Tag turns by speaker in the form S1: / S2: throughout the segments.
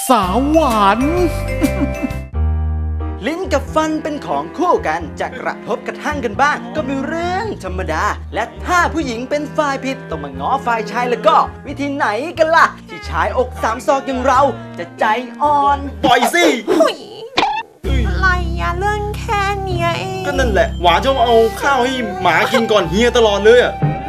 S1: สาวหวาน
S2: ลิ้นกับฟันเป็นของคู่กันจะกระทบกระทั่งกันบ้างก็เป็นเรื่องธรรมดาและถ้าผู้หญิงเป็นฝ่ายผิดต้องมาง้อฝ่ายชายแล้วก็วิธีไหนกันล่ะที่ชายอกสามศอกอย่างเราจะใจอ่อน
S3: ปล่อยสิ
S4: อะไรอะเรื่องแค่เนี้ยเอง
S3: ก็นั่นแหละหวานชอบเอาข้าวให้หมากินก่อนเฮียตลอดเลยอะ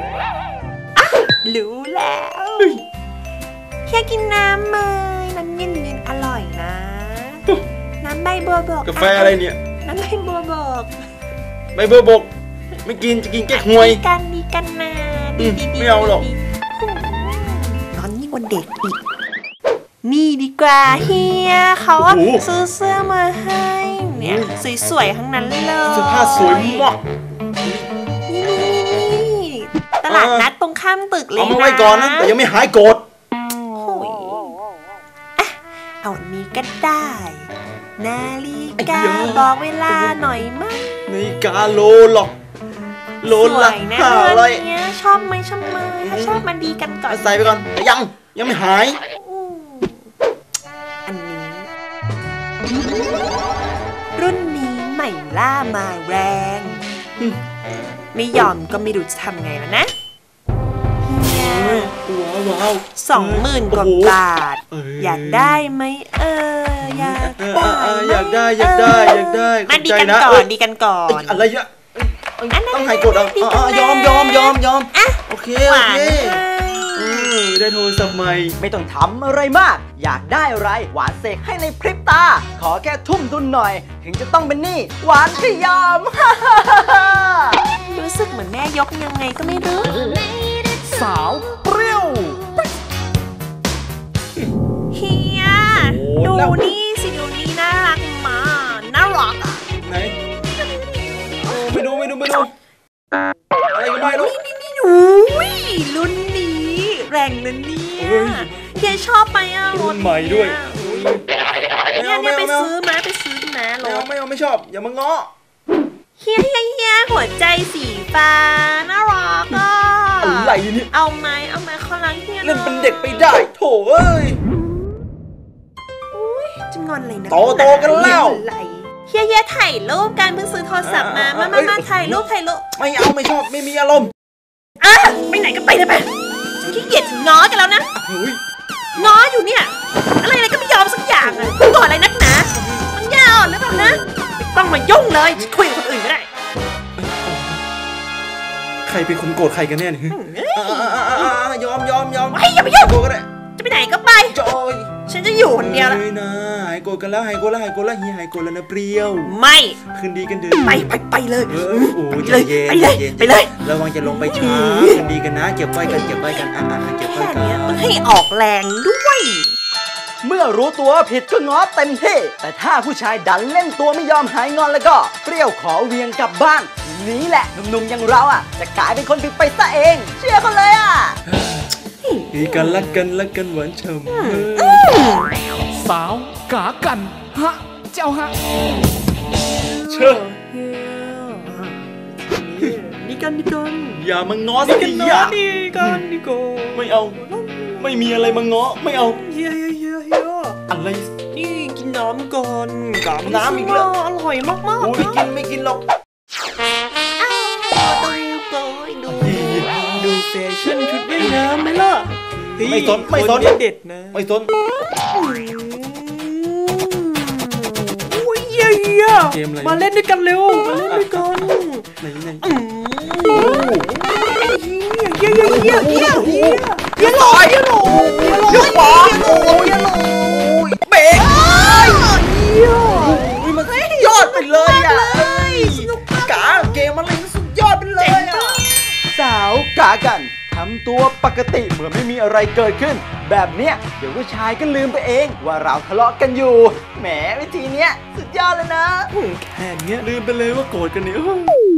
S4: รู้แล้วเฮียกินน้ำเมยน้ำเย็นๆอร่อยนะน้ำใบบัวบก
S3: กาแฟอะไรเนี่ย
S4: น้ำใบบัวบก
S3: ใบบัวบกไม่กินจะกินแก้หวย
S4: ดีกันนะดี
S3: ไม่เอาหรอก
S4: ร้อนยิ่งกว่าเด็กอีกนี่ดีกว่าเฮียเขาซื้อเสื้อมาให้เนี่ยสวยๆทั้งนั้นเลย
S3: เสื้อผ้าสวยมาก
S4: นี่ตลาดนัดตรงข้ามตึกเลยนะ
S3: เอามาไว้ก่อนนะแต่ยังไม่หายโกรธ
S4: เอาอันนี้ก็ได้นาฬิกาบอกเวลาหน่อยมั้ย
S3: นาฬิกาโลหรอกโลละ
S4: 500ชอบไหมถ้าชอบมาดีกันก่อน
S3: ใส่ไปก่อนแต่ยังไม่หาย
S4: อันนี้รุ่นนี้ใหม่ล่ามาแรงไม่ยอมก็ไม่รู้จะทำไงแล้วนะ
S3: ว้าว
S4: 20,000 กว่าบาทอยากได้ไหม
S3: อยากได้
S4: มาดีกันก่อน
S3: อะไรเยอะต้องให้กดยอมโอเคได้โทรศัพท์ใหม่
S2: ไม่ต้องทำอะไรมากอยากได้อะไรหวานเสกให้ในพริบตาขอแค่ทุ่มทุนหน่อยถึงจะต้องเป็นหนี้หวานก็ยอม
S4: รู้สึกเหมือนแม่ยกยังไงก็ไม่รู้
S1: สาวเปรี้ยว
S4: เฮียดูนี่สิดูนี่น่ารักมากน่ารักอ่ะ
S3: ไหนไม่ดูอะไรก็ไม่รู้
S4: นี่รุ่นนี้แรงนะเนี่ยเฮียชอบไปอ่ะ
S3: รุ่นใหม่ด้วย
S4: เนี่ยไปซื้อนะรถ
S3: ไม่ชอบอย่ามาง้อ
S4: เฮียหัวใจสีฟ้าน่ารักอ่ะ
S3: อะไรเนี่ย
S4: เอาไหมข้างหลังเฮีย
S3: เล่นเป็นเด็กไปได้โถเอ้ย
S4: จะงอนอะไรนะ
S3: โตกันแล้ว
S4: เฮียถ่ายรูปกันเพิ่งซื้อโทรศัพท์มาถ่ายรูป
S3: ไม่เอาไม่ชอบไม่มีอารมณ์
S4: ไปไหนก็ไปเลยไปฉันขี้เกียจง้อกันแล้วนะง้ออยู่เนี่ยอะไรก็ไม่ยอมสักอย่างอ่ะก่อนอะไรนักหนามันยาวหรือเปล่านะไม่ต้องมายุ่งเลยคุยกับคนอื่นก็ได้
S3: ใครเป็นคนโกรธใครกันแน่เนี่ยยอม
S4: อย่าไปยุ่งก็ได้จะไปไหนก็ไป
S3: จอย
S4: ฉันจะอยู่คนเดียวแล้ว
S3: นะหายโกรธกันแล้วเฮียหายโกรธแล้วนะเปรี้ยว
S4: ไม่
S3: คืนดีกันเดิน
S4: ไปเลย
S3: ไปเลยระวังจะลงไปช้าคืนดีกันนะเก็บไว้กันเก็บไว้กัน
S4: ต้องให้ออกแรงด้วย
S2: เมื่อรู้ตัวผิดก็ง้อเต็มที่แต่ถ้าผู้ชายดันเล่นตัวไม่ยอมหายงอนแล้วก็เปรี้ยวขอเวียงกลับบ้านนี้แหละหนุ่มๆอย่างเราอ่ะจะกลายเป็นคนผิดไปซะเองเชื่อเขาเลยอ่ะ
S3: ดีกันรักกันหวานฉ่
S1: ำสาวกากันฮะเจ้าฮะ
S3: เชื่อ
S4: ดีกัน
S3: อย่ามาง้อสิอย่า
S4: ดีกัน
S3: ไม่เอาไม่มีอะไรมาง้อไม่เอา
S4: เฮีย
S3: อะไร
S4: นี่กินน้ำก่อน
S3: น้ำอีกแล้ว
S4: อร่อยมาก
S3: ไม่กินหรอก
S4: ดูแฟชั่นชุดว่ายน้ำไหมล่ะ
S3: ไม่สน
S4: เด็ดนะ
S3: ไม่สน
S4: เฮียมาเล่นด้วยกันเร็วมาเล่นด้วยกัน
S3: ไหน
S4: เฮียลอย
S3: เบรกมันยอดไปเลยอ่ะกาเกมอะไรสุดยอดไปเลยอ่ะ
S2: สาวกากันทำตัวปกติเหมือนไม่มีอะไรเกิดขึ้นแบบเนี้ยเดี๋ยวผู้ชายก็ลืมไปเองว่าเราทะเลาะกันอยู่แหมวิธีเนี้ยสุดยอดเลยนะ
S3: แค่เนี้ยลืมไปเลยว่าโกรธกันเนี่ย